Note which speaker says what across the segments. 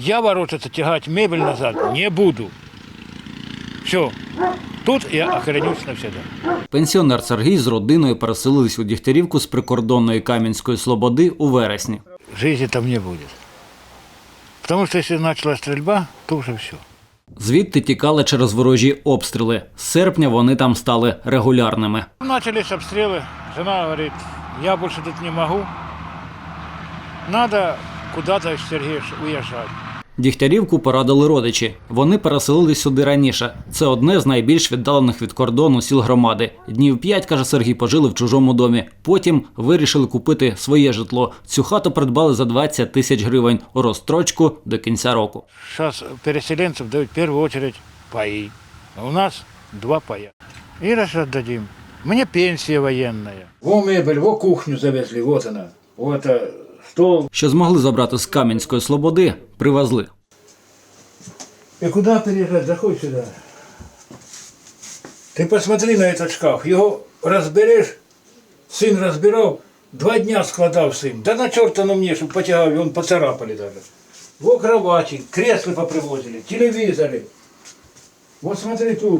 Speaker 1: Я ворочаться, тягать мебель назад не буду. Все. Тут я охоронюсь навсегда.
Speaker 2: Пенсіонер Сергій з родиною переселились у Дігтярівку з прикордонної Кам'янської Слободи у вересні.
Speaker 1: Жизни там не будет. Потому что если началась стрельба, то уже все.
Speaker 2: Звідти тікали через ворожі обстріли. З серпня вони там стали регулярними.
Speaker 1: Начались обстрелы. Жена говорит, я больше тут не могу. Надо куда-то, Сергей, уезжать.
Speaker 2: Дігтярівку порадили родичі. Вони переселились сюди раніше. Це одне з найбільш віддалених від кордону сіл громади. Днів 5, каже Сергій, пожили в чужому домі. Потім вирішили купити своє житло. Цю хату придбали за 20 тисяч гривень у розстрочку до кінця року.
Speaker 1: Сейчас переселенцев дают в первую очередь паи. А у нас 2 пая. И раз отдадим. Мне пенсия военная. Во мебель, во кухню завезли, вот она. Вот стол.
Speaker 2: Що змогли забрати з Кам'янської Слободи, привезли.
Speaker 1: И куда переезжать? Заходь сюда. Ты посмотри на этот шкаф. Его разберешь, сын разбирал, 2 дня складал сын. Да на черта на мне, чтобы потягал, он поцарапали даже. Во кровати, кресла попривозили, телевизоры. Вот смотри тут.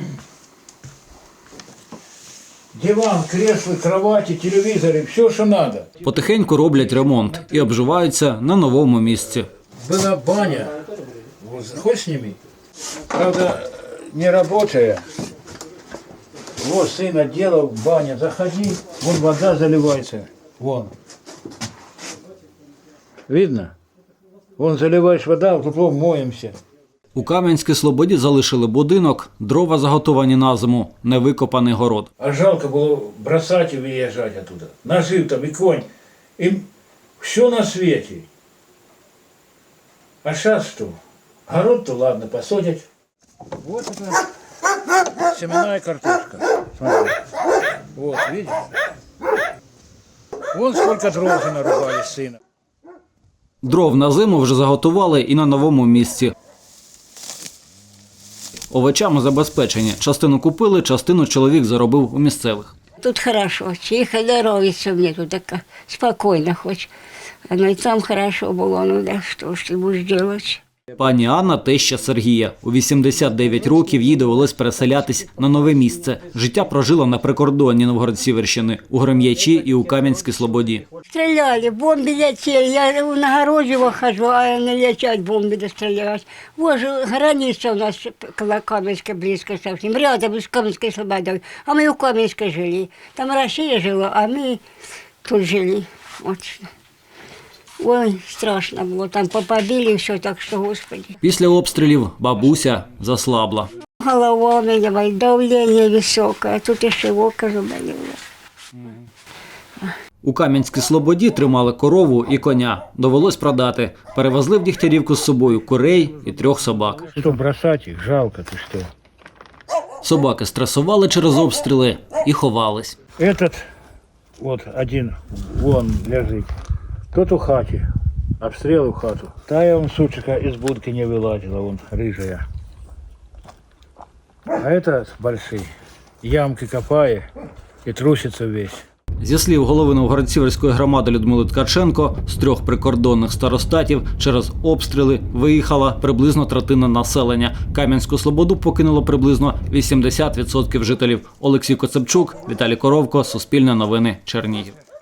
Speaker 1: Диван, кресла, кровати, телевизоры, все, что надо.
Speaker 2: Потихеньку роблять ремонт і обживаються на новому місці.
Speaker 1: Была баня. Вот, хоть сними. Правда, не рабочая. Вот сын отделал, баня, заходи, вон вода заливается. Вон. Видно? Вон заливаешь вода, тут вон моемся.
Speaker 2: У Кам'янській Слободі залишили будинок, дрова заготовані на зиму, невикопаний город.
Speaker 1: А жалко было бросать и выезжать оттуда. Нажив там и конь. Им все на свете. А сейчас что? Город-то ладно, посадят. Вот это семенная картошка. Смотри. Вот, видишь? Вон сколько дров уже нарубали сына.
Speaker 2: Дров на зиму вже заготували і на новому місці. Овочами забезпечені. Частину купили, частину чоловік заробив у місцевих.
Speaker 3: Тут хорошо, тихо, здоровится мне тут так спокойно хоть. Оно и там хорошо было, ну да что ж ты будешь делать?
Speaker 2: Пані Анна – теща Сергія. У 89 років їй довелось переселятись на нове місце. Життя прожила на прикордонні Новгород-Сіверщини, у Гром'ячі і у Кам'янській Слободі.
Speaker 3: Стреляли, бомбы летели, я на огороде выхожу, а не летят бомбы дострелять. Вот же граница у нас Каменская близко совсем, рядом с Каменской Слободой, а мы у Каменской жили. Там Россия жила, а мы тут жили. Вот. Ой, страшно было, там побили все, так что, Господи.
Speaker 2: Після обстрілів бабуся заслабла.
Speaker 3: Голова у меня, давление высокое, тут еще око заболело.
Speaker 2: У Кам'янській Слободі тримали корову і коня. Довелось продати. Перевезли в Дігтярівку з собою курей і 3 собак.
Speaker 1: Что бросать их? Жалко, ты что?
Speaker 2: Собаки стресували через обстріли і ховались.
Speaker 1: Этот вот один вон лежит. Тот у хати. Обстрел у хату. Тая он, сучка, из будки не вылазила, вон рыжая. А этот большой. Ямки копает и трусится весь.
Speaker 2: Зі слів голови Новгород-Сіверської громади Людмили Ткаченко, з 3 прикордонних старостатів через обстріли виїхала приблизно третина населення. Кам'янську Слободу покинуло приблизно 80% жителів. Олексій Коцепчук, Віталій Коровко, Суспільне новини, Чернігів.